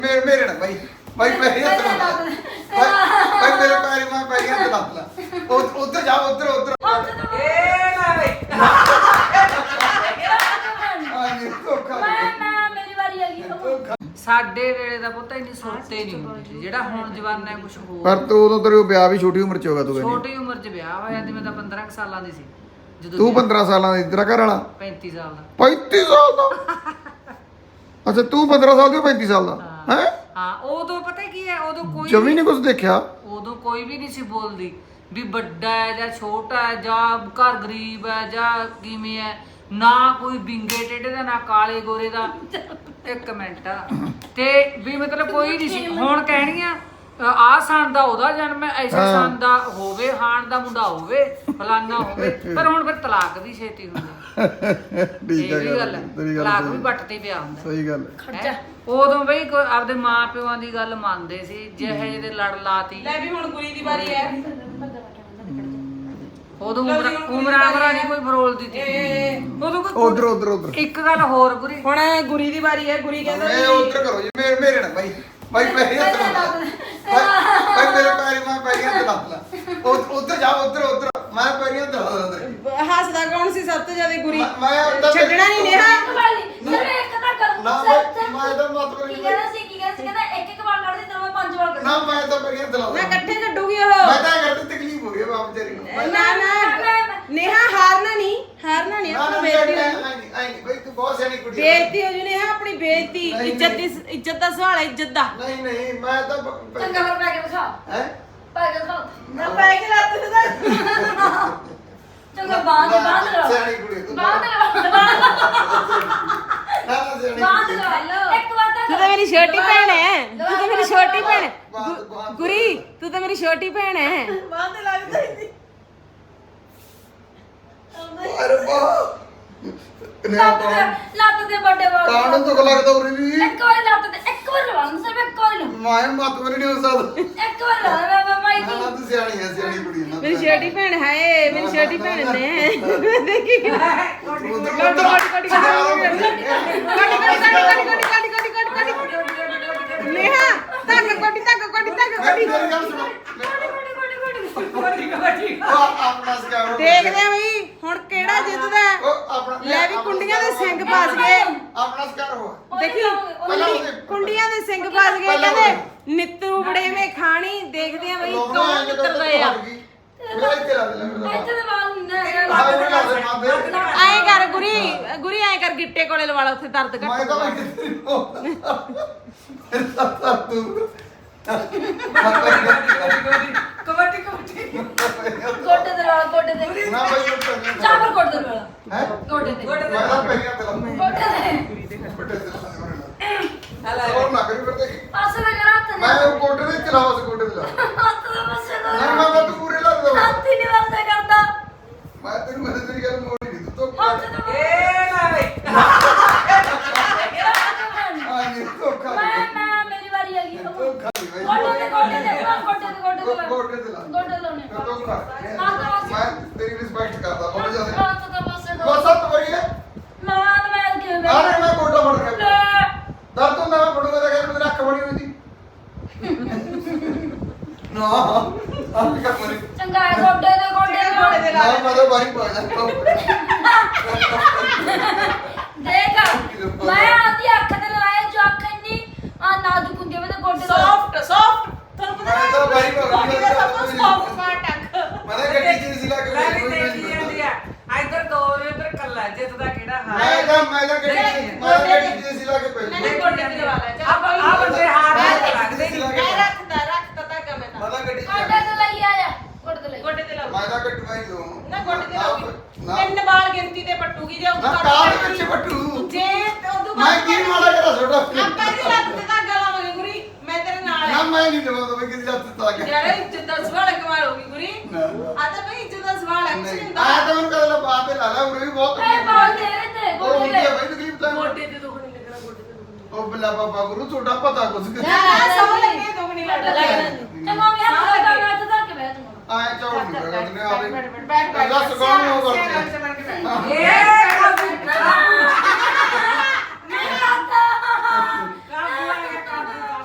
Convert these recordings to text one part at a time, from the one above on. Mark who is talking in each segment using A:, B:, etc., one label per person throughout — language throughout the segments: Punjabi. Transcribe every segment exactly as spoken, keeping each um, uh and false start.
A: मेरे मेरे ना भाई भाई पैरी हत्थ ला भाई भाई मेरे पैरी मैं पैरी हत्थ ला उधर जाओ उधर उधर
B: ए ना भाई
A: हां ये धोखा
C: मैं मैं मेरी बारी आ गई
B: ਸਾਡੇ ਵੇਲੇ ਦਾ ਪੁੱਤ ਇੰਨੀ ਸੁਰਤੇ ਨਹੀਂ ਹੁੰਦੀ ਸੀ ਜਿਹੜਾ ਹੁਣ ਜਵਾਨਾ ਕੁਝ ਹੋਰ
A: पर तू उਦੋਂ तेरे ਵਿਆਹ ਵੀ ਛੋਟੀ ਉਮਰ ਚ ਹੋਗਾ ਤੂੰ ਕਹਿੰਦੀ
B: ਛੋਟੀ ਉਮਰ 'ਚ ਵਿਆਹ ਹੋਇਆ ਤੇ ਮੈਂ ਤਾਂ ਪੰਦਰਾਂ ਕੁ ਸਾਲਾਂ ਦੀ ਸੀ ਜਦੋਂ
A: ਤੂੰ ਪੰਦਰਾਂ ਸਾਲਾਂ ਦਾ ਤੇਰਾ ਘਰ ਵਾਲਾ
B: ਪੈਂਤੀ ਸਾਲ ਦਾ
A: ਪੈਂਤੀ ਸਾਲ ਦਾ ਅੱਛਾ ਤੂੰ ਪੰਦਰਾਂ ਸਾਲ ਦੀ ਉਹ ਪੈਂਤੀ ਸਾਲ ਦਾ ਹੈ
B: ਹਾਂ ਉਦੋਂ ਪਤਾ ਕੀ ਹੈ ਉਦੋਂ ਕੋਈ
A: ਜਮੀ ਨਹੀਂ ਕੁਝ ਦੇਖਿਆ
B: ਉਦੋਂ ਕੋਈ ਵੀ ਨਹੀਂ ਸੀ ਬੋਲਦੀ ਵੀ ਵੱਡਾ ਹੈ ਜਾਂ ਛੋਟਾ ਹੈ ਜਾਂ ਘਰ ਗਰੀਬ ਹੈ ਜਾਂ ਕਿਵੇਂ ਹੈ ਨਾ ਕੋਈ ਬਿੰਗੇ ਟੇਢੇ ਦਾ ਨਾ ਕਾਲੇ ਗੋਰੇ ਦਾ ਇੱਕ ਮਿੰਟ ਤੇ ਵੀ ਮਤਲਬ ਕੋਈ ਨਹੀਂ ਸੀ ਹੁਣ ਕਹਿਣੀਆਂ ਆ ਸੰਨ ਦਾ ਉਹਦਾ ਜਨਮ ਹੈ ਐਸਾ ਸੰਨ ਦਾ ਹੋਵੇ ਹਾਣ ਦਾ ਮੁੰਡਾ ਹੋਵੇ ਫਲਾਨਾ ਹੋਵੇ ਪਰ ਹੁਣ ਫਿਰ ਤਲਾਕ ਵੀ ਛੇਤੀ ਹੁੰਦਾ
A: ਠੀਕ
B: ਇਹ ਵੀ ਗੱਲ
A: ਹੈ
B: ਹੈ
A: ਤੇਰੀ ਗੱਲ
B: ਤਲਾਕ ਵੀ
A: ਸਹੀ
B: ਵੱਟ ਤੇ ਪਿਆ ਹੁੰਦਾ
A: ਸਹੀ ਗੱਲ ਹੈ।
B: ਹੈਂ? ਉਦੋਂ ਬਈ ਕੋਈ ਆਪਦੇ ਮਾਂ ਪਿਓਾਂ ਦੀ ਗੱਲ ਮੰਨਦੇ ਸੀ ਜਿਹੇ ਜਿਹੇ ਦੇ ਲੜ ਲਾਤੀ
D: ਲੈ ਵੀ ਹੁਣ ਗੁਰੀ ਦੀ ਵਾਰੀ ਹੈ
B: ਉਦੋਂ ਉਮਰ ਉਮਰਾਂ ਉਮਰਾਂ ਨਹੀਂ ਕੋਈ ਫਰੋਲਦੀ ਸੀ ਉਦੋਂ ਕੋਈ
A: ਉਧਰ ਉਧਰ ਉਧਰ
B: ਇੱਕ ਗੱਲ ਹੋਰ ਗੁਰੀ
D: ਹੁਣ ਗੁਰੀ ਦੀ ਵਾਰੀ ਹੈ ਗੁਰੀ ਕਹਿੰਦਾ
A: ਮੈਂ ਉਧਰ ਕਰੋ ਜੀ ਮੇਰੇ ਮੇਰੇ ਨਾ ਭਾਈ ਭਾਈ ਪੈਰੀ ਹੱਥ ਲਾ ਭਾਈ ਮੇਰੇ ਪੈਰੀ ਮੈਂ ਪੈਰੀ ਹੱਥ ਲਾ ਉਧਰ ਜਾਓ ਉਧਰ ਉਧਰ ਮੈਂ ਪੈਰੀ ਹੱਥ ਲਾ ਉਧਰ
D: ਹੱਸਦਾ ਕੌਣ ਸੀ ਸਭ ਤੋਂ ਜ਼ਿਆਦਾ ਗੁਰੀ
A: ਮੈਂ ਉੱਧਰ-
D: ਛੱਡਣਾ ਨਹੀਂ ਨੇਹਾ
C: ਇੱਕ ਵਾਰੀ ਸਿਰ ਇੱਕ ਤਾਂ ਕਰ
A: ਨਾ ਮੈਂ ਮੈਂ ਤਾਂ ਮਤ ਕਰੀ
C: ਕੀ ਕਹਿੰਦਾ ਸੀ ਕੀ ਕਹਿੰਦਾ ਸੀ ਕਹਿੰਦਾ ਇੱਕ ਇੱਕ ਵਾਰ ਕੱਢਦੀ ਤਾਂ ਮੈਂ ਪੰਜ ਵਾਰ
A: ਨਾ
C: ਕੱਢਦੀ
A: ਮੈਂ ਤਾਂ ਪੈਰੀ ਹੱਥ ਲਾ
D: ਨਾ ਇਕੱਠੇ ਕੱਢੂਗੀ ਉਹ
A: ਮੈਂ ਤਾਂ ਇਹ ਕਰਦੀ ਤਕਲੀਫ ਹੋ ਗਈ ਬਾਪ ਤੇਰੀ ਨੂੰ ਮੈਂ-
D: ਨਾ ਨਾ ਨੇਹਾ ਹਾਰਨਾ ਨਹੀਂ ਹਾਰਨਾ ਨਹੀਂ
A: ਨਾ
D: ਆਪਣੀ
A: ਨਾ
D: ਬੇਇੱਜ਼ਤੀ
A: ਮੈਂ
D: ਹੋਈ।
A: ਆਈ ਨਹੀਂ ਆਈ ਨਹੀਂ ਬਈ ਤੂੰ ਬਹੁਤ ਸਿਆਣੀ ਕੁੜੀ ਹੈ
D: ਬੇਇੱਜ਼ਤੀ ਹੋ ਜੂ ਨੇਹਾ ਆਪਣੀ ਬੇਇੱਜ਼ਤੀ
A: ਨਹੀਂ,
D: ਇੱਜ਼ਤ ਦੀ
A: ਨਹੀਂ।
D: ਇੱਜ਼ਤ ਦਾ ਸਵਾਲ ਹੈ ਇੱਜ਼ਤ ਦਾ
A: ਨਹੀਂ ਨਹੀਂ ਮੈਂ ਤਾਂ
C: ਚੰਗਾ ਫਿਰ ਪੈ ਕੇ ਦਿਖਾ
A: ਹੈ
C: ਪੈ ਕੇ ਦਿਖਾ
D: ਨਾ ਪੈ ਕੇ ਲੱਤ ਤੇ
C: ਚੰਗਾ ਬਾਂਧ ਬਾਂਧ ਲਓ
A: ਸਿਆਣੀ ਕੁੜੀ ਤੂੰ
C: ਬਾਂਧ ਲਓ
A: ਨਾ ਨਾ ਸਿਆਣੀ
C: ਬਾਂਧ
A: ਕੁੜੀ।
C: ਲਓ ਇੱਕ ਵਾਰ ਤਾਂ
D: ਤੂੰ ਤਾਂ ਮੇਰੀ ਛੋਟੀ ਭੈਣ ਹੈ ਤੂੰ ਤਾਂ ਮੇਰੀ ਛੋਟੀ ਭੈਣ ਹੈ।
A: ਬਾਂਧ-
D: ਗੁ-
A: ਬਾਂਧ-
D: ਗੁਰੀ ਤੂੰ ਤਾਂ ਮੇਰੀ ਛੋਟੀ ਭੈਣ ਹੈ ਬਾਂਧ ਲੱਗਦਾ ਹੀ
A: ਅਰੇ ਵਾਹ ਨੇ
C: ਲੱਤ ਦੇ ਲੱਤ ਦੇ ਵੱਡੇ ਵਾਲ
A: ਕਾਣ ਤੋਂ ਲੱਗਦਾ ਉਰੇ ਵੀ
C: ਇੱਕ ਵਾਰ ਲੱਤ ਦੇ ਇੱਕ ਵਾਰ ਲਵਾਂ ਸਿਰਫ ਇੱਕ ਵਾਰ ਲਵਾਂ
A: ਮੈਂ ਮਤ ਮਰੀ ਨਹੀਂ ਹੋ ਸਕਦਾ
C: ਇੱਕ ਵਾਰ ਲਵਾਂ ਮੈਂ ਮੈਂ ਮਾਈ
A: ਨਾ ਨਾ ਤੂੰ ਸਿਆਣੀ ਹੈ ਸਿਆਣੀ ਕੁੜੀ ਹੈ ਨਾ
D: ਮੇਰੀ ਛੋਟੀ ਭੈਣ ਹੈ ਮੇਰੀ ਛੋਟੀ ਭੈਣ ਨੇ ਦੇਖੀ
A: ਉਧਰ
D: ਨੇਹਾ ਤੱਕ ਕੋਟੀ ਤੱਕ ਕੋਟੀ ਤੱਕ ਕੋਟੀ
A: ਮੇਰੀ ਗੱਲ ਸੁਣੋ ਉਹ ਆਪਣਾ ਸਕਾਰੋ
D: ਦੇਖਦੇ ਆ ਬਈ ਹੁਣ ਕਿਹੜਾ ਜਿੱਤਦਾ ਹੈ।
A: ਉਹ ਆਪਣਾ
D: ਲੈ ਵੀ ਕੁੰਡੀਆਂ ਦੇ ਸਿੰਘ ਫਸ ਗਏ
A: ਆਪਣਾ ਸਕਾਰ ਹੋ
D: ਦੇਖੀ
A: ਪਹਿਲਾਂ
D: ਕੁੰਡੀ-
A: ਉਹਦੇ-
D: ਕੁੰਡੀਆਂ ਦੇ ਸਿੰਘ ਫਸ ਗਏ
A: ਪਹਿਲਾਂ
D: ਕਹਿੰਦੇ ਨਿੱਤੂ ਬੜੇਵੇਂ ਖਾਣੀ ਦੇਖਦੇ ਆ ਬਈ ਕੌਣ ਜਿੱਤਦਾ ਆ
A: ਮੇਰਾ ਇੱਥੇ ਲਾ ਦੇ ਲੈ ਮੇਰਾ
C: ਇੱਥੇ ਦੇ ਵਾਲ ਨਹੀਂ
A: ਆਹ ਉਹ ਲਾ ਦੇ ਮਾਂ ਦੇ
D: ਐਂ ਕਰ ਗੁਰੀ ਗੁਰੀ ਐਂ ਕਰ ਗਿੱਟੇ ਕੋਲੇ ਲਵਾ ਲਾ ਉੱਥੇ ਦਰਦ
A: ਮੈਂ
D: ਘੱਟ
A: ਤਾਂ
D: ਹੋਊਗਾ।
A: ਬੈਠੀ ਫਿਰ ਤਾਂ ਤੂੰ
B: ਕਬੱਡੀ ਕਬੱਡੀ
C: ਗੋਡੇ ਦੇ ਵਾਲ ਗੋਡੇ ਦੇ
A: ਨਾ ਭਾਈ ਉਹ ਕਰਨੀ
C: ਚਾਵਰ ਗੋਡੇ ਦੇ ਵਾਲ
A: ਹੈ
C: ਗੋਡੇ ਦੇ
A: ਮੈਂ ਤਾਂ ਪਹਿਲਾਂ ਤੇ ਲਾ
C: ਗੋਡੇ ਦੇ
A: ਬੱਟੇ ਤੇ ਲਾ ਹੋਰ ਨਾ ਕਰੀ ਫਿਰ ਦੇਖੀ
C: ਪਾਸੇ ਦਾ ਕਰਾ ਹੱਥ
A: ਮੈਂ ਉਹ ਕੋਟੇ ਦੇ ਚਲਾਵਾ ਸੀ ਕੋਟੇ ਦੇ ਲਾ
C: ਹੱਥ ਦਾ ਪਾਸੇ ਦਾ
A: ਨਹੀਂ ਮੈਂ ਤਾਂ ਤੂੰ ਪੂਰੇ ਲਾ ਦੇ
C: ਹੱਥ ਹੀ ਨਹੀਂ ਵਾਸਤੇ ਕਰਦਾ
A: ਮੈਂ ਤੈਨੂੰ ਮੈਂ ਤੇਰੀ ਗੱਲ ਮੋੜੀ ਨਹੀਂ ਤੂੰ
C: ਹੱਥ ਦਾ
B: ਏ ਨਾ ਭਾਈ
A: ਆ ਨਹੀਂ ਧੋਖਾ
C: ਮੈਂ ਮੈਂ ਮੇਰੀ ਵਾਰੀ ਆ ਗਈ
A: ਧੋਖਾ ਨਹੀਂ ਭਾਈ
C: ਗੋਡੇ ਦੇ ਗੋਡੇ ਦੇ ਵਾਲ ਗੋਡੇ ਦੇ ਗੋਡੇ ਦੇ ਵਾਲ
A: ਕੋਟੇ ਤੇ ਲਾ
C: ਗੋਡੇ ਲਾਉਣੇ
A: ਧੋਖਾ
C: ਹੱਥ ਦਾ ਪਾਸੇ
A: ਮੈਂ ਤੇਰੀ ਰਿਸਪੈਕਟ ਕਰਦਾ ਬਹੁਤ ਜ਼ਿਆਦਾ
C: ਹੱਥ ਦਾ ਪਾਸੇ ਦਾ
A: ਬਸ ਸੱਤ ਵਰੀ ਹੈ
C: ਮਾਂ ਤਾਂ ਮੈਂ ਕਿਵੇਂ
A: ਆ ਨਹੀਂ ਮੈਂ ਕੋਟਾ ਫੜ ਕੇ
C: ਲੈ
A: ਦਰਦ ਹੁੰਦਾ ਮੈਂ ਫੜੂਗਾ ਤਾਂ ਕਹਿੰਦਾ ਮੇਰੀ ਅੱਖ ਬਣੀ ਹੋਈ ਸੀ ਨਾ ਅੱਖ ਕਾ ਮਰੀ
C: ਚੰਗਾ ਹੈ ਗੋਡੇ ਦੇ ਗੋਡੇ ਦੇ
D: ਗੋਡੇ ਦੇ
A: ਨਾ ਮੈਂ ਤਾਂ ਬਾਰੀ ਪਾ ਜਾ
C: ਦੇਖ ਮੈਂ ਆਦੀ ਅੱਖ ਤੇ ਲਵਾਇਆ ਜੋ ਅੱਖ ਇੰਨੀ ਆ ਨਾਜ਼ੁਕ ਹੁੰਦੀ ਹੈ ਮੈਂ ਤਾਂ ਗੋਡੇ ਦਾ
D: ਸੌਫਟ ਸੌਫਟ ਤੁਹਾਨੂੰ ਪਤਾ
A: ਮੈਂ ਤਾਂ ਬਾਰੀ ਪਾ
D: ਕੋਟੀ ਦਾ ਸਭ ਤੋਂ ਸੌਫਟ ਪਾਰਟ ਅੱਖ
A: ਮੈਂ ਤਾਂ ਗੱਡੀ ਚ ਸੀ ਲਾ ਕੇ
B: ਮੈਂ ਵੀ ਦੇਖੀ ਜਾਂਦੀ ਆ ਇੱਧਰ ਦੋ ਇੱਧਰ ਕੱਲਾ ਜਿੱਤਦਾ ਕਿਹੜਾ ਹਾਂ
A: ਮੈਂ ਤਾਂ ਮੈਂ ਤਾਂ ਗੱਡੀ ਚ ਮੈਂ ਤਾਂ ਗੱਡੀ ਚ ਸੀ ਲਾ ਕੇ ਪਈ
D: ਨਹੀਂ ਗੋਡੇ ਤੇ ਲਵਾ ਲੈ
B: ਆ ਆ ਬੰਦੇ ਹਾਰ ਲੱਗਦੇ
A: ਸੀ
B: ਨਹੀਂ
A: ਲਾ ਕੇ
D: ਮੈਂ ਰੱਖਦਾ ਰੱਖਦਾ ਤਾਂ ਕਮੇ
A: ਮੈਂ ਤਾਂ ਗੱਡੀ ਚ
C: ਗੋਡੇ ਤੇ ਲਈ ਆਇਆ ਗੋਡੇ ਤੇ ਲਈ
D: ਗੋਡੇ ਤੇ ਲਾਓ
A: ਮੈਂ ਤਾਂ ਗੱਡੀ ਵਾਈ ਦੋ
D: ਨਾ ਗੋਡੇ ਤੇ ਲਾਓ
A: ਨਾ
D: ਤਿੰਨ ਬਾਲ ਗਿਣਤੀ ਤੇ ਪੱਟੂਗੀ ਜੇ
A: ਨਾ ਕਾਰ ਦੇ ਵਿੱਚ ਬੱਟੂ
D: ਜੇ ਉਦੋਂ
A: ਮੈਂ ਕੀ ਮਾੜਾ ਕਰਾ ਛੋਟਾ
D: ਆਪਾਂ ਦੀ ਲੱਤ ਤੇ ਧਾਗਾ ਲਾਵਾਂਗੇ ਗੁਰੀ ਮੈਂ ਤੇਰੇ ਨਾਲ
A: ਨਾ
D: ਆ
A: ਮੈਂ ਨਹੀਂ ਲਵਾਉਂਦਾ ਮੈਂ ਕਿਸੇ ਲੱਤ ਤਾਂ ਗਿਆ
D: ਯਾਰ ਇੱਜ਼ਤ ਦਾ ਸਵਾਲ ਕਮਾਲ ਹੋਗੀ ਗੁਰੀ ਆ ਤਾਂ ਬਈ ਇੱਜ਼ਤ ਦਾ ਸਵਾਲ ਹੈ ਕੁਛ ਨਹੀਂ
A: ਨਹੀਂ
D: ਹੁੰਦਾ
A: ਆ ਤਾਂ ਮੈਨੂੰ ਕਹਦਾ ਬਾਤ ਤੇ ਲਾ ਲਾ ਉਰੇ ਵੀ ਬਹੁਤ
C: ਇਹ ਬਾਲ ਦੇ ਰਹੇ ਤੇ
A: ਉਹ
C: ਗੋਡੇ
A: ਹੁੰਦੀ
C: ਦੇ
A: ਆ ਬਈ ਤਕਲੀਫ ਤਾਂ
D: ਗੋਡੇ ਤੇ ਦੁੱਖ ਨਹੀਂ ਲੱਗਣਾ ਗੋਡੇ ਤੇ ਦੁੱਖ ਨਹੀਂ
A: ਉਹ ਬੱਲਾ ਬਾਬਾ ਗੁਰੂ ਤੁਹਾਡਾ ਪਤਾ ਕੁਝ
D: ਯਾਰ ਸੌ ਲੱਗੇ ਦੁੱਖ ਨਹੀਂ ਲੱਗਦਾ
C: ਚੰਗਾ ਮੈਂ ਹੱਥ ਲਗਾ ਮੈਂ ਤਾਂ ਧਰ ਕੇ ਬੈਠ ਜਾਊਂਗਾ
A: ਆਏ ਚੌੜ ਨਹੀਂ ਕਰਦਾ ਨੇ ਆਵੇ
D: ਬੈਠ ਬੈਠ ਬੈਠ
A: ਦੱਸ ਕੌਣ ਹੋ ਕਰਦੇ
B: ਏ
C: ਨਹੀਂ ਆਤਾ
B: ਕਾਬੂ ਆ ਗਿਆ ਕਾਬੂ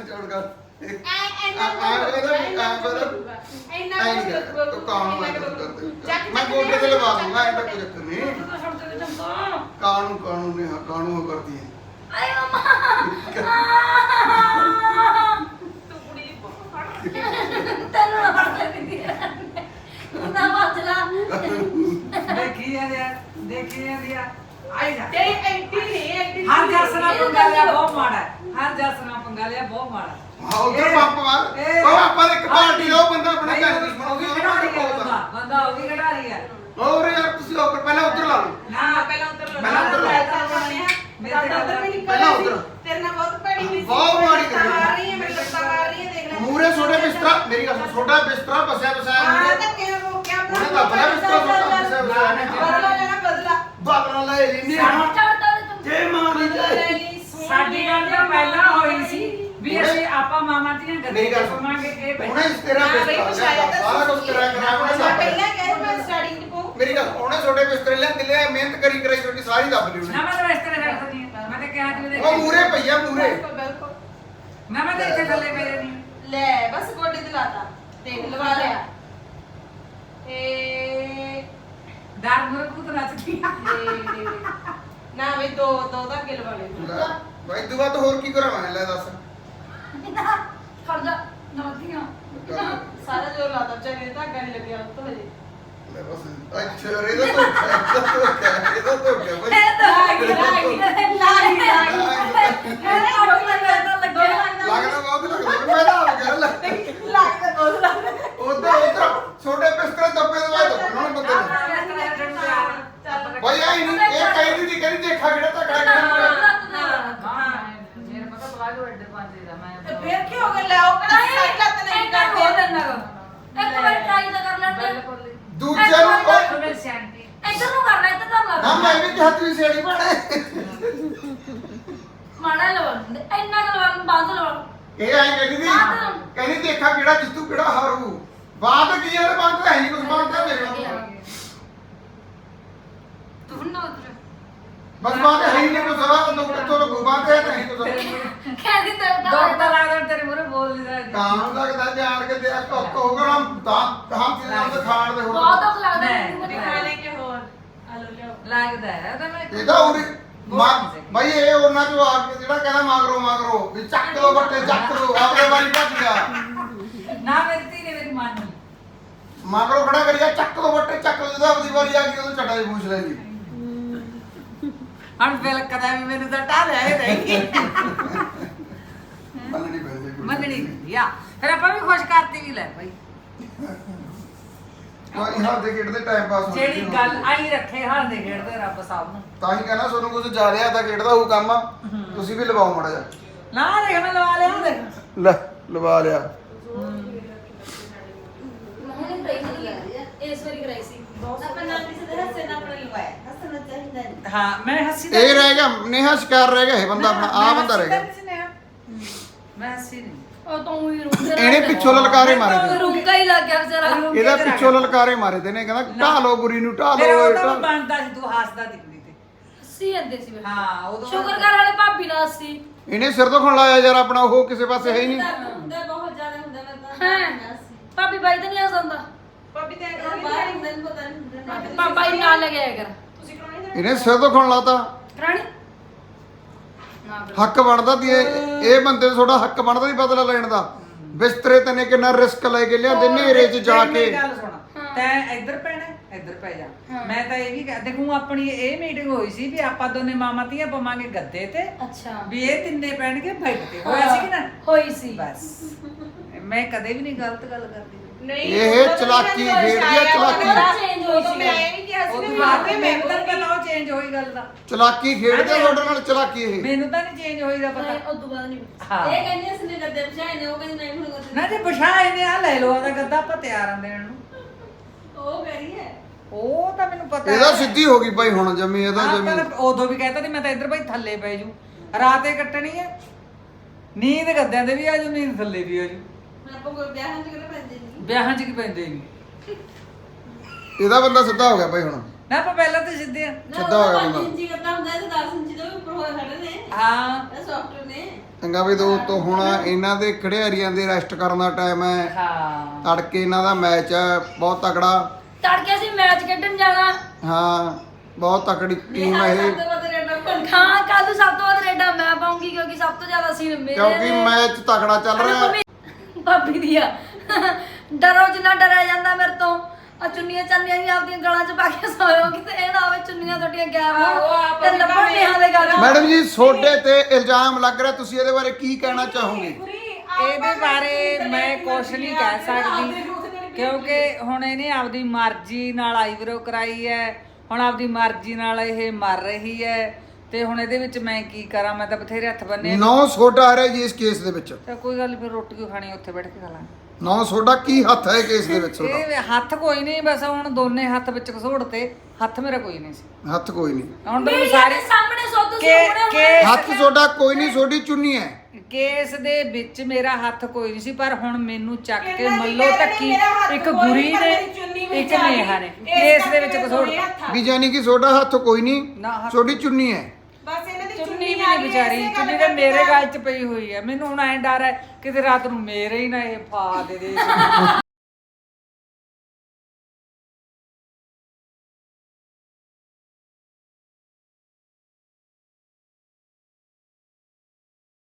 A: ਚੌੜ ਕਰ
D: ਐ
A: ਆ
D: ਐਨਾ
A: ਆ ਇਹਦਾ ਆ ਬਦਾ
D: ਇੰਨਾ
A: ਐ ਨਹੀਂ ਕਰ ਤੂੰ ਕਾਣ ਮੈਂ ਕਰਦੇ ਮੈਂ ਗੋਡੇ ਤੇ ਲਵਾ ਦੂੰਗਾ ਇਹ ਤਾਂ ਕੋਈ ਚੱਕਰ ਨਹੀਂ ਕਾਣੂ ਕਾਣੂ ਨੇ ਕਾਣੂ ਉਹ ਕਰਦੀ ਹੈ
C: ਆਏ ਮਮਾ
D: ਤੂੰ ਕੁੜੀ ਦੀ ਫੋਟੋ ਫੜ
C: ਤੈਨੂੰ ਨਾ ਫੜ ਲੈਂਦੀ ਨਾ ਬਚਲਾ
B: ਦੇਖੀ ਜਾਂਦੇ ਆ ਦੇਖੀ ਜਾਂਦੇ ਆ ਆਈ ਜਾ
D: ਤੇ ਐਂਟੀ ਨਹੀਂ ਐਂਟੀ
B: ਹਰ ਜਸਨਾ ਪੰਗਾ ਲਿਆ ਬਹੁਤ ਮਾੜਾ ਹੈ। ਹਰ ਜਸਨਾ ਪੰਗਾ ਲਿਆ ਬਹੁਤ ਮਾੜਾ
A: ਹਾਂ ਉਧਰ ਪੰਪ ਮਾਰ ਉਹ ਆਪਾਂ ਦੇ ਇੱਕ ਪਾਰਟੀ ਦਾ ਉਹ ਬੰਦਾ ਆਪਣੇ ਘਰ
B: ਉਹ
A: ਦੁਸ਼ਮਣ
B: ਵੀ
A: ਉਹ
B: ਖੜਾ ਰਹੀ ਹੈ
A: ਵੀ
B: ਬੰਦਾ ਬੰਦਾ ਉਹ ਵੀ ਖੜਾ ਰਹੀ ਹੈ
A: ਹੋਰ ਯਾਰ ਤੁਸੀਂ ਉੱਪਰ ਪਹਿਲਾਂ ਉੱਧਰ ਲਾ ਲਓ
D: ਹਾਂ ਪਹਿਲਾਂ ਉੱਤਰ ਲਾ
A: ਪਹਿਲਾਂ ਉੱਤਰ ਲਾ।
D: ਮੇਰਾ ਉੱਧਰ ਵੀ ਨਿਕਲ
A: ਪਹਿਲਾਂ ਉੱਤਰ।
D: ਤੇਰੇ ਨਾਲ ਬਹੁਤ ਭੈੜੀ ਹੋਈ ਸੀ
A: ਬਹੁਤ ਮਾੜੀ ਕਰੀ।
D: ਮਾਰ ਰਹੀ ਹੈ ਮੇਰੇ ਲੱਤਾਂ ਮਾਰ ਰਹੀ ਹੈ ਦੇਖ ਲੈ
A: ਮੂਰੇ ਛੋਟੇ ਬਿਸਤਰਾ ਮੇਰੀ ਗੱਲ ਸੁਣ ਛੋਟਾ ਬਿਸਤਰਾ ਬਸਿਆ ਬਸਾਇਆ
D: ਹਾਂ
A: ਮੂਰੇ
D: ਤਾਂ ਕਿਉਂ ਰੋਕਿਆ
A: ਉਹਨੇ ਤਾਂ ਬੜਾ ਬਿਸਤਰਾ ਛੋਟਾ ਬਸਿਆ ਬਸਾਇਆ
D: ਬਦਲਾ ਲੈਣਾ ਬਦਲਾ
A: ਬਾਦਲਾਂ ਲੈ ਲੈਨੇ
C: ਚੜਦਾ ਤੂੰ
A: ਜੇ ਮਾਂ ਦੀ
D: ਬਦਲਾ ਲੈ
A: ਜਾਏ
D: ਲਈ
B: ਸਾਡੀ ਗੱਲ ਤਾਂ ਪਹਿਲਾਂ ਹੋਈ ਸੀ ਵੀ ਅਸੀਂ ਆਪਾਂ ਮਾਮਾ ਦੀਆਂ ਗੱਲਾਂ
A: ਮੇਰੀ ਗੱਲ ਸੁਣ।
B: ਸੁਣਾਂਗੇ ਇਹ
A: ਉਹਨੇ ਤੇਰਾ
D: ਹਾਂ, ਬਈ
A: ਬਿਸਤਰਾ
D: ਪੁੱਛਾਇਆ
A: ਲਿਆ,
D: ਤਾਂ
A: ਸਾਰਾ ਕੁਝ ਤੇਰਾ ਕਰਾ ਉਹਨੇ
D: ਮੈਂ
A: ਸਭ
D: ਪਹਿਲਾਂ ਕਹਿ ਮੈਂ ਸਟਾਰਟਿੰਗ ਚ ਪੋ
A: ਮੇਰੀ ਗੱਲ ਉਹਨੇ ਛੋਟੇ ਬਿਸਤਰੇ ਲਿਆ ਦਿਲੇ ਮਿਹਨਤ ਕਰੀ ਕਰੀ ਛੋਟੀ ਸਾਰੀ ਦੱਬ ਲਈ
B: ਨਾ
A: ਉਹਨੇ
B: ਮੈਂ ਤਾਂ ਇਸ ਤਰ੍ਹਾਂ ਕਰ ਸਕਦੀ ਹਾਂ ਮੈਂ ਤਾਂ ਕਿਹਾ ਤੂੰ ਦੇਖ
A: ਉਹ ਮੂਰੇ ਪਈਆ ਮੂਰੇ
D: ਬਿਲਕੁਲ ਬਿਲਕੁਲ
B: ਨਾ ਮੈਂ ਤਾਂ ਇੱਥੇ ਥੱਲੇ ਮੇਰੇ ਨਹੀਂ
D: ਲੈ ਬਸ ਗੋਡੇ ਤੇ ਲਾਤਾ ਦੇਖ ਲਵਾ ਲਿਆ ਏ
B: ਡਰ ਮੁਰ ਕੂਤ ਨੱਚਦੀ ਆ
D: ਨਾ ਵੀ ਦੋ ਦੋ ਧਾਗੇ ਲਵਾ ਲੈ
A: ਬਾਈ ਤੂੰ ਬਾਅਦ ਹੋਰ ਕੀ ਕਰਾਂ ਮੈਂ ਲੈ ਦੱਸ
C: ਖੜਦਾ ਨਵਤੀਆਂ
D: ਸਾਰਾ ਜੋਰ ਲਾਤਾ ਚਾਹੇ ਧਾਗਾ ਨਹੀਂ ਲੱਗਿਆ ਉੱਤੋਂ ਹਜੇ
A: ਲੈ ਬਸ ਅੱਛਾ ਰੇ ਦਾ ਤੋਂ ਇਹਦਾ ਤੋਂ ਕਿਆ ਬਾਈ
C: ਇਹ ਤਾਂ ਲੱਗੀ ਲੱਗੀ ਲੱਗੀ ਇਹ ਆਟੋ ਲੱਗਦਾ ਲੱਗਦਾ
A: ਲੱਗਦਾ ਬਹੁਤ ਲੱਗਦਾ ਮੈਂ ਤਾਂ ਆ ਗਿਆ ਲੱਗ
D: ਲੱਗਦਾ ਬਹੁਤ ਲੱਗਦਾ
A: ਉਧਰ ਉਧਰ ਛੋਟੇ ਬਿਸਤਰੇ ਦੱਬੇ ਦੇ ਬਾਅਦ ਉਹਨਾਂ ਨੂੰ ਬੰਦੇ ਨੇ
D: ਚੱਲ
A: ਬਾਈ ਆਈ ਨਹੀਂ ਇਹ ਕਹਿੰਦੀ ਸੀ ਕਹਿੰਦੀ ਦੇਖਾ ਕਿਹੜਾ ਧੱਕਾ ਕਿਹੜਾ
B: ਮੇਰੇ ਪਤਾ ਪਲਾਜੋ ਐਡੇ ਪਾਉਂਦੇ ਦਾ ਮੈਂ
D: ਤੇ ਫੇਰ ਕੀ ਹੋ ਗਿਆ ਲੈ ਉਹ ਕਿਹੜਾ ਸਾਈਡ ਲੱਤ ਨਹੀਂ
C: ਹੋ
D: ਕਰਦੇ
C: ਦਿੰਦਾ ਇੱਕ ਵਾਰ ਟਰਾਈ ਤਾਂ ਕਰ ਲੈਂਦੇ
B: ਬਿਲਕੁਲ
A: ਦੂਜੇ ਨੂੰ ਕੋਈ
B: ਤੁਹਾਡੇ ਸਿਆਂਟੀ
C: ਇੱਧਰ ਨੂੰ ਕਰਨਾ ਇੱਧਰ ਕਰ
A: ਨਾ
C: ਲਾ
A: ਮੈਂ ਵੀ ਕਿਹਾ ਤੂੰ ਸੇੜੀ ਬਣੇ
C: ਮਾੜਾ ਲਵਾ ਇੰਨਾ ਕੁ ਲਵਾ ਬੰਦ ਲਵਾ
A: ਇਹ ਐਂ ਕਹਿੰਦੀ ਸੀ ਕਹਿੰਦੀ ਦੇਖਾ ਕਿਹੜਾ ਜਿੱਤੂ ਕਿਹੜਾ ਹਾਰੂ ਬਾਤ ਕੀ ਯਾਰ ਬਾਤ ਹੈ ਨਹੀਂ ਕੁਝ ਬਾਤ ਹੈ ਮੇਰੇ ਨਾਲ
C: ਤੂੰ ਨਾ ਉਧਰ
A: ਬਸ ਬਾਤ ਹੈ ਹੀ ਨਹੀਂ ਕੁਝ ਸਵਾਲ ਤੋਂ ਕਿੱਥੋਂ ਲੱਗੂ ਬਾਤ ਹੈ ਨਹੀਂ ਕੁਝ
C: ਕਹਿੰਦੀ ਤੇ
B: ਡਾਕਟਰ ਲੱਗਦਾ ਤੇਰੇ ਮੂਰੇ ਬੋਲ ਨਹੀਂ ਸਕਦੀ
A: ਕਾਮ ਲੱਗਦਾ ਜਾਣ ਕੇ ਤੇਰਾ ਕੁੱਕ ਹੋਗਾ ਨਾ ਤਾਂ ਹਮ ਚੀਜ਼ਾਂ ਦੇ ਖਾਣ ਦੇ ਹੋ
C: ਬਹੁਤ ਦੁੱਖ ਲੱਗਦਾ
B: ਨਹੀਂ,
C: ਮੈਨੂੰ
B: ਨਹੀਂ।
C: ਦਿਖਾ
D: ਖਾਣੇ ਕੇ ਹੋਰ ਆਲੂ ਲਿਆਓ
B: ਲੱਗਦਾ ਹੈ ਤਾਂ ਮੈਂ
A: ਇਹਦਾ ਉਰੇ ਭਾਈ ਇਹ ਉਹਨਾਂ ਚੋਂ ਆ ਕੇ ਜਿਹੜਾ ਕਹਿੰਦਾ ਮਾਗਰੋ ਮਾਗਰੋ ਵੀ ਚੱਕ ਲੋ ਬੱਟੇ ਚੱਕ ਲੋ ਆਪਣੇ ਵਾਰੀ ਭੱਜ ਗਿਆ
B: ਨਾ ਮੇਰੀ ਧੀ ਨੇ ਮੇਰੀ ਮੰਨ ਲਈ
A: ਮਾਗਰੋ ਖੜਾ ਕਰੀਆ ਚੱਕ ਲੋ ਬੱਟੇ ਚੱਕ ਲੋ ਜਦੋਂ ਆਪਣੀ ਵਾਰੀ ਆ ਗਈ ਉਦੋਂ ਚੱਟਾ ਹੀ ਪੁੱਛ ਲੈਂਦੀ
B: ਹਣ ਬਿਲ ਕਦਾ ਵੀ ਮੈਨੂੰ ਤਾਂ ਢਾ ਲਿਆ ਇਹ ਨਹੀਂ
A: ਮੰਨਣੀ ਪੈਂਦੀ ਕੋਈ।
B: ਮੰਨਣੀ ਪੈਂਦੀ ਆ ਫਿਰ ਆਪਾਂ ਵੀ ਖੁਸ਼ ਕਰਤੀ ਵੀ ਲੈ ਭਾਈ
A: ਕੋਈ ਹੱਥ ਦੇ ਖੇਡਦੇ ਟਾਈਮ ਪਾਸ ਹੋ
B: ਜਿਹੜੀ ਗੱਲ ਆਈ ਰੱਖੇ ਹਾਲ ਦੇ ਖੇਡਦੇ ਰੱਬ ਸਾਹਿਬ ਨੂੰ
A: ਤਾਂ ਹੀ ਕਹਿੰਦਾ ਤੁਹਾਨੂੰ ਕੁਝ ਜਾ ਰਿਹਾ ਤਾਂ ਖੇਡਦਾ ਹੋਊ ਕੰਮ ਤੁਸੀਂ ਵੀ ਲਵਾਓ ਮੜਾ ਜਾ
B: ਨਾ ਦੇਖ ਮੈਂ ਲਵਾ ਲਿਆ ਦੇਖ
A: ਲੈ ਲਵਾ ਲਿਆ
C: ਹੁਣੇ ਬ੍ਰੇਕ ਨਹੀਂ ਆ ਇਸ ਵਾਰੀ ਕਰਾਈ ਸੀ
D: ਆਪਾਂ ਨਾਲ ਕਿਸੇ ਦੇ ਹੱਸੇ ਨਾਲ ਆਪਣੇ ਲਵਾਇਆ ਹੱਸਣਾ ਚਾਹੀਦਾ ਨਹੀਂ
B: ਹਾਂ ਮੈਂ ਹੱਸੀ
A: ਇਹ ਰਹਿ ਗਿਆ ਨੇਹਾ ਸ਼ਿਕਾਰ ਰਹਿ ਗਿਆ ਇਹ ਬੰਦਾ ਆਪਣਾ ਆ ਬੰਦਾ ਰਹਿ ਗਿਆ
B: ਮੈਂ ਹੱਸੀ ਨਹੀਂ
C: ਉਹ ਤਾਂ ਉਹੀ ਰੁਕ ਗਿਆ
A: ਇਹਨੇ ਪਿੱਛੋਂ ਲਲਕਾਰੇ ਮਾਰੇ ਤੇ
C: ਰੁਕਾ ਹੀ ਲੱਗ ਗਿਆ ਵਿਚਾਰਾ
A: ਇਹਦਾ ਪਿੱਛੋਂ ਲਲਕਾਰੇ ਮਾਰੇ ਤੇ ਨੇ ਕਹਿੰਦਾ ਢਾ ਲਓ ਬੁਰੀ ਨੂੰ ਢਾ
B: ਫਿਰ
A: ਲਓ
B: ਉਹ
A: ਇਹ
B: ਤਾਂ
A: ਢਾਹ-
B: ਬਣਦਾ ਸੀ ਤੂੰ ਹੱਸਦਾ ਦਿਖਦੀ ਤੇ
C: ਸੀ ਅੱਦੇ ਸੀ ਮੈਂ
B: ਹਾਂ ਉਦੋਂ
C: ਸ਼ੁਕਰ ਕਰ ਵਾਲੇ ਭਾਬੀ ਨਾਲ ਸੀ
A: ਇਹਨੇ ਸਿਰ ਤੋਂ ਖਣ ਲਾਇਆ ਯਾਰ ਆਪਣਾ ਉਹ ਕਿਸੇ ਪਾਸੇ ਹੈ ਹੀ ਨਹੀਂ
D: ਹੁੰਦਾ ਬਹੁਤ ਜ਼ਿਆਦਾ ਹੁੰਦਾ ਮੈਂ ਤਾਂ
C: ਹਾਂ ਭਾਬੀ ਬਾਈ ਤਾਂ ਨਹੀਂ ਆ ਸਕਦਾ
D: ਪਾਪੀ ਤੇ ਬਾਹਰ ਹੁੰਦਾ ਨਹੀਂ ਪਤਾ ਨਹੀਂ ਹੁੰਦਾ
C: ਪਾਪਾ ਹੀ ਨਾਲ ਲੈ ਕੇ ਆਇਆ ਕਰ
D: ਤੁਸੀਂ ਕਰਾਉਣੀ ਨਾ
A: ਇਹਨੇ ਸਿਰ ਤੋਂ ਖਣ ਲਾਤਾ
C: ਰਾਣੀ ਨਾ
A: ਹੱਕ ਬਣਦਾ ਦੀ ਇਹ ਇਹ ਬੰਦੇ ਦਾ ਤੁਹਾਡਾ ਹੱਕ ਬਣਦਾ ਦੀ ਬਦਲਾ ਲੈਣ ਦਾ ਬਿਸਤਰੇ ਤੇ ਨੇ ਕਿੰਨਾ ਰਿਸਕ ਲੈ ਕੇ ਲਿਆਂਦੇ ਨੇਰੇ 'ਚ ਜਾ
B: ਮੇਰੀ
A: ਕੇ
B: ਗੱਲ ਸੁਣ ਤੈਂ ਇੱਧਰ ਪੈਣਾ ਇੱਧਰ ਪੈ ਜਾ ਮੈਂ ਤਾਂ ਇਹ ਵੀ ਕਹਿ ਦੇਖੂ ਆਪਣੀ ਇਹ ਮੀਟਿੰਗ ਹੋਈ ਸੀ ਵੀ ਆਪਾਂ ਦੋਨੇ ਮਾਮਾ ਧੀਆਂ ਪਵਾਂਗੇ ਗੱਦੇ ਤੇ
C: ਅੱਛਾ
B: ਵੀ ਇਹ ਤਿੰਨੇ ਪੈਣਗੇ ਬੈੱਡ ਤੇ ਹੋਇਆ ਸੀ ਕਿ ਨਾ
C: ਹੋਈ ਸੀ
B: ਬਸ ਮੈਂ ਕਦੇ ਵੀ ਨਹੀਂ ਗਲਤ ਗੱਲ ਕਰਦੀ
D: ਨਹੀਂ
A: ਇਹ ਚਲਾਕੀ ਖੇਡਦੀ ਆ, ਚਲਾਕੀ।
C: ਚੇਂਜ ਹੋਈ ਸੀ
D: ਮੈਂ ਇਹ ਵੀ ਕਿਹਾ ਸੀ
B: ਉਹ
D: ਵੀ
B: ਤੋਂ ਬਾਅਦ
D: ਮੈਂ
B: ਮੈਨੂੰ ਤਾਂ ਪਤਾ ਉਹ ਚੇਂਜ ਹੋਈ ਗੱਲ ਦਾ
A: ਚਲਾਕੀ ਖੇਡਦੇ ਤੁਹਾਡੇ ਨਾਲ ਚਲਾਕੀ ਇਹ
B: ਮੈਨੂੰ ਤਾਂ ਨਹੀਂ ਚੇਂਜ ਹੋਈ ਦਾ ਪਤਾ
C: ਉਹ ਤੋਂ ਬਾਅਦ ਨਹੀਂ
B: ਹਾਂ
D: ਇਹ ਕਹਿੰਦੀ ਅਸੀਂ ਨੇ ਗੱਦੇ ਬਚਾਏ ਨੇ ਉਹ ਕਹਿੰਦੀ ਨਹੀਂ ਹੁਣ ਗੱਦੇ
B: ਨਾ ਜੇ ਬਿਠਾਏ ਨੇ ਆ ਲੈ ਲਓ ਆਦਾ ਗੱਦਾ ਆਪਾਂ ਤਿਆਰ ਆਂ ਦੇਣ ਨੂੰ
D: ਉਹ ਕਰੀ ਹੈ
B: ਉਹ ਤਾਂ ਮੈਨੂੰ ਪਤਾ
A: ਇਹਦਾ
B: ਹੈ।
A: ਸਿੱਧੀ ਹੋ ਗਈ ਭਾਈ ਹੁਣ ਜਮੀ ਇਹਦਾ
B: ਆਪਾਂ
A: ਜਮੀ
B: ਤਾਂ ਉਦੋਂ ਵੀ ਕਹਿਤਾ ਸੀ ਮੈਂ ਤਾਂ ਇੱਧਰ ਭਾਈ ਥੱਲੇ ਪੈ ਜੂ ਰਾਤੇ ਕੱਟਣੀ ਹੈ ਨੀਂਦ ਗੱਦਿਆਂ ਦੇ ਵੀ ਆ ਜੂ ਨੀਂਦ ਥੱਲੇ ਵੀ ਆ ਜੂ
D: ਮੈਂ ਆਪਾਂ ਕੋਈ ਵਿਆਹਾਂ ਚ ਕਿਹੜਾ ਪੈਂਦੇ ਨਹੀਂ
B: ਵਿਆਹਾਂ 'ਚ ਕੀ ਪੈਂਦੇ ਨਹੀਂ
A: ਇਹਦਾ ਬੰਦਾ ਸਿੱਧਾ ਹੋ ਗਿਆ ਭਾਈ ਹੁਣ
B: ਨਾ ਆਪਾਂ ਪਹਿਲਾਂ ਤਾਂ ਸਿੱਧੇ ਆ
A: ਸਿੱਧਾ ਹੋ ਗਿਆ ਬੰਦਾ।
E: ਇੰਚੀ ਕਰਦਾ ਹੁੰਦਾ ਤੇ ਦਸ ਇੰਚੀ ਤੋਂ ਵੀ ਉੱਪਰ ਹੋਏ ਖੜੇ ਨੇ
B: ਹਾਂ
E: ਇਹ ਸੌਫਟਵੇਅਰ ਨੇ
A: ਚੰਗਾ ਵੀ ਦੋਸਤੋ ਹੁਣ ਇਹਨਾਂ ਦੇ ਖਿਡਾਰੀਆਂ ਦੇ ਰੈਸਟ ਕਰਨ ਦਾ ਟਾਈਮ ਹੈ।
B: ਹਾਂ
A: ਤੜਕੇ ਇਹਨਾਂ ਦਾ ਮੈਚ ਹੈ ਬਹੁਤ ਤਕੜਾ।
C: ਤੜਕੇ ਅਸੀਂ ਮੈਚ ਖੇਡਣ ਜਾਣਾ।
A: ਹਾਂ ਬਹੁਤ ਤਕੜੀ ਟੀਮ ਹੈ ਇਹ,
E: ਸਭ ਤੋਂ ਵੱਧ ਰੇਡਰ ਬਣ
C: ਹਾਂ ਕੱਲ ਨੂੰ ਸਭ ਤੋਂ ਵੱਧ ਰੇਡਾਂ ਮੈਂ ਪਾਉਂਗੀ ਕਿਉਂਕਿ ਸਭ ਤੋਂ ਜ਼ਿਆਦਾ ਸੀਨ ਮੇਰੇ
A: ਕਿਉਂਕਿ
C: ਨੇ।
A: ਮੈਚ ਤਕੜਾ ਚੱਲ ਰਿਹਾ ਹੈ।
C: ਮੰਮੀ- ਭਾਬੀ ਦੀ ਆ ਡਰੋ ਜਿੰਨਾ ਡਰਿਆ ਜਾਂਦਾ ਮੇਰੇ ਤੋਂ ਆ ਚੁੰਨੀਆਂ ਚਾਨੀਆਂ ਵੀ ਆਪਦੀਆਂ ਗਲਾਂ 'ਚ ਪਾ ਕੇ ਸੋਇਓ ਕਿਤੇ ਇਹ ਨਾ ਹੋਵੇ ਚੁੰਨੀਆਂ ਤੁਹਾਡੀਆਂ ਗਾਇਬ
E: ਆਹੋ,
C: ਹੋਣ
E: ਆਪ
C: ਤੇ ਲੱਭਣ ਨਿਆਂ ਦੇ ਗੱਲ
A: ਮੈਡਮ ਜੀ ਤੁਹਾਡੇ ਤੇ ਇਲਜ਼ਾਮ ਲੱਗ ਰਿਹਾ, ਤੁਸੀਂ ਇਹਦੇ ਬਾਰੇ ਕੀ ਕਹਿਣਾ ਚਾਹੋਗੇ?
B: ਇਹਦੇ ਬਾਰੇ ਮੈਂ ਕੁਛ ਨਹੀਂ ਕਹਿ ਸਕਦੀ ਕਿਉਂਕਿ ਹੁਣ ਇਹਨੇ ਆਪਦੀ ਮਰਜ਼ੀ ਨਾਲ ਆਈਬਰੋ ਕਰਾਈ ਹੈ, ਹੁਣ ਆਪਦੀ ਮਰਜ਼ੀ ਨਾਲ ਇਹ ਮਰ ਰਹੀ ਹੈ ਤੇ ਹੁਣ ਇਹਦੇ ਵਿੱਚ ਮੈਂ ਕੀ ਕਰਾਂ? ਮੈਂ ਤਾਂ ਬਥੇਰੇ ਹੱਥ ਬੰਨੇ
A: ਨੌ ਸੋਡਾ ਆ ਰਿਹਾ ਜੀ ਇਸ ਕੇਸ ਦੇ ਵਿੱਚ।
B: ਤਾਂ ਕੋਈ ਗੱਲ ਨੀ, ਫਿਰ ਰੋਟੀ ਕਿਉਂ ਖਾਣੀ ਉੱਥੇ ਬੈਠ ਕੇ ਖਾ ਲਾਂਗੇ।
A: ਨੌ ਸੋਡਾ ਕੀ ਹੱਥ ਹੈ ਕੇਸ ਦੇ ਵਿੱਚ ਤੁਹਾਡਾ?
B: ਇਹ ਹੱਥ ਕੋਈ ਨਹੀਂ, ਬਸ ਹੁਣ ਦੋਨੇ ਹੱਥ ਵਿੱਚ ਘਸੋੜ ਤੇ ਹੱਥ ਮੇਰਾ ਕੋਈ ਨਹੀਂ ਸੀ।
A: ਹੱਥ ਕੋਈ ਨਹੀਂ,
B: ਹੁਣ
C: ਮੇਰੇ
B: ਤੁਹਾਨੂੰ ਸਾਰੇ
C: ਸਾਹਮਣੇ ਸੋ ਤੁਸੀਂ
B: ਕੇ-
C: ਹੁਣੇ
B: ਕੇ-
A: ਹੱਥ ਸੋਡਾ ਕੋਈ ਨਹੀਂ, ਸੋਡੀ ਚੁੰਨੀ ਹੈ।
B: ਕੇਸ ਦੇ ਵਿੱਚ ਮੇਰਾ ਹੱਥ ਕੋਈ ਨਹੀਂ ਸੀ, ਪਰ ਹੁਣ ਮੈਨੂੰ ਚੱਕ ਕੇ
D: ਕਿੰਨਾ ਦੀ
B: ਮੱਲੋ
D: ਕਹਿ
B: ਤੱਕੀ
D: ਮੇਰਾ ਹੱਥ
B: ਇੱਕ
D: ਕੋਈ
B: ਗੁਰੀ
D: ਨਹੀਂ, ਪਰ
B: ਨੇ
D: ਮੇਰੀ ਚੁੰਨੀ ਵਿੱਚ
B: ਇੱਕ
D: ਆ ਗਈ।
B: ਨੇਹਾ ਨੇ
D: ਇਸ
B: ਕੇਸ ਦੇ
D: ਕਰਕੇ
B: ਵਿੱਚ
D: ਮੇਰੇ
B: ਘਸੋੜ
D: ਦੋਵੇਂ ਹੱਥ ਆ।
A: ਵੀ ਜਾਨੀ ਕਿ ਸੋਡਾ ਹੱਥ ਕੋਈ
B: ਨਾ
A: ਨਹੀਂ,
B: ਹੱਥ-
A: ਸੋਡੀ ਚੁੰਨੀ ਹੈ।
D: ਬਸ ਇਹਨਾਂ ਦੀ
B: ਚੁੰਨੀ ਵੀ
D: ਆ
B: ਨਹੀਂ
D: ਗਈ,
B: ਵਿਚਾਰੀ,
D: ਇਸੇ
B: ਚੁੰਨੀ
D: ਗੱਲ
B: ਤਾਂ
D: ਕਰਕੇ
B: ਮੇਰੇ
D: ਤਾਂ-
B: ਗਲ 'ਚ ਪਈ ਹੋਈ ਹੈ। ਮੈਨੂੰ ਹੁਣ ਐਂ ਡਰ ਹੈ ਕਿਤੇ ਰਾਤ ਨੂੰ ਮੇਰੇ ਹੀ ਨਾ ਇਹ ਫਾ ਦੇ ਦੇ